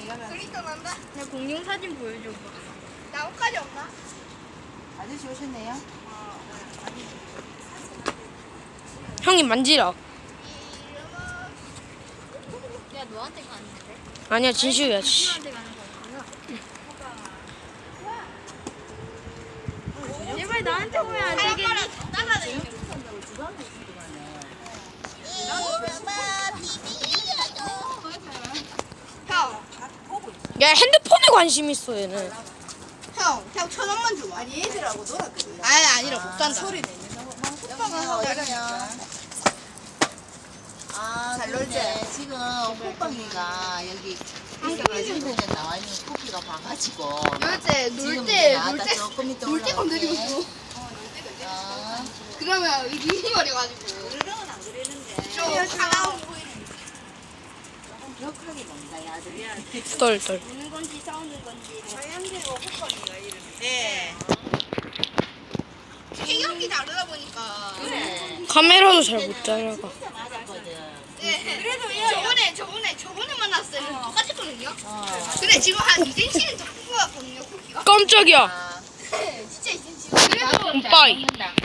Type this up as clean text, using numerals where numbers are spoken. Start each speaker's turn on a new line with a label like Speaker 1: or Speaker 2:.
Speaker 1: 그러니까 난다.
Speaker 2: 내 공룡 사진 보여줘봐.
Speaker 1: 나뭇가지 없나?
Speaker 3: 아저씨 오셨네요.
Speaker 4: 형이 만지라.
Speaker 2: 야 너한테 가는데?
Speaker 4: 아니야 진슈야. 씨.
Speaker 2: 너한테 가는 거구나. 제발 나한테 오면 안 되겠니?
Speaker 1: 형,
Speaker 4: 야 핸드폰에 관심 있어 얘는.
Speaker 1: 형, 1,000원만 줘.
Speaker 3: 아니 얘들하고 놀았거든.
Speaker 1: 아니, 아니라 못 산다.
Speaker 3: 소리 내면서 호빵을 어디가냐? 아,
Speaker 1: 잘
Speaker 3: 그런데
Speaker 1: 놀지?
Speaker 3: 지금 호빵이가 여기 인터넷에 나와 있는 쿠키가 봐가지고 지금 나왔다 조금 이따
Speaker 1: 놀 때 건드리고
Speaker 3: 올라올게.
Speaker 1: 있어.
Speaker 3: 아,
Speaker 1: 그러면 눈이 버려가지고.
Speaker 3: 그러면 안 그러는데
Speaker 1: 좀 차가운 보이는.
Speaker 3: 조금 격하게 먹는다 야들이.
Speaker 4: 덜덜.
Speaker 2: 우는 건지 싸우는 건지.
Speaker 3: 자연대고 호빵이가 이름이.
Speaker 1: 네. 체격이 다르다 보니까.
Speaker 3: 그래.
Speaker 4: 카메라도 잘 못 잡아가.
Speaker 3: 진짜 맞았거든.
Speaker 1: 네. 저번에 만났을 때는 똑같았거든요.
Speaker 3: 어.
Speaker 1: 근데 지금 한 2cm는 더 큰 것 같거든요, 쿠키가.
Speaker 4: 깜짝이야.
Speaker 3: 아,
Speaker 1: 진짜 2cm. 그래도
Speaker 4: 빠이.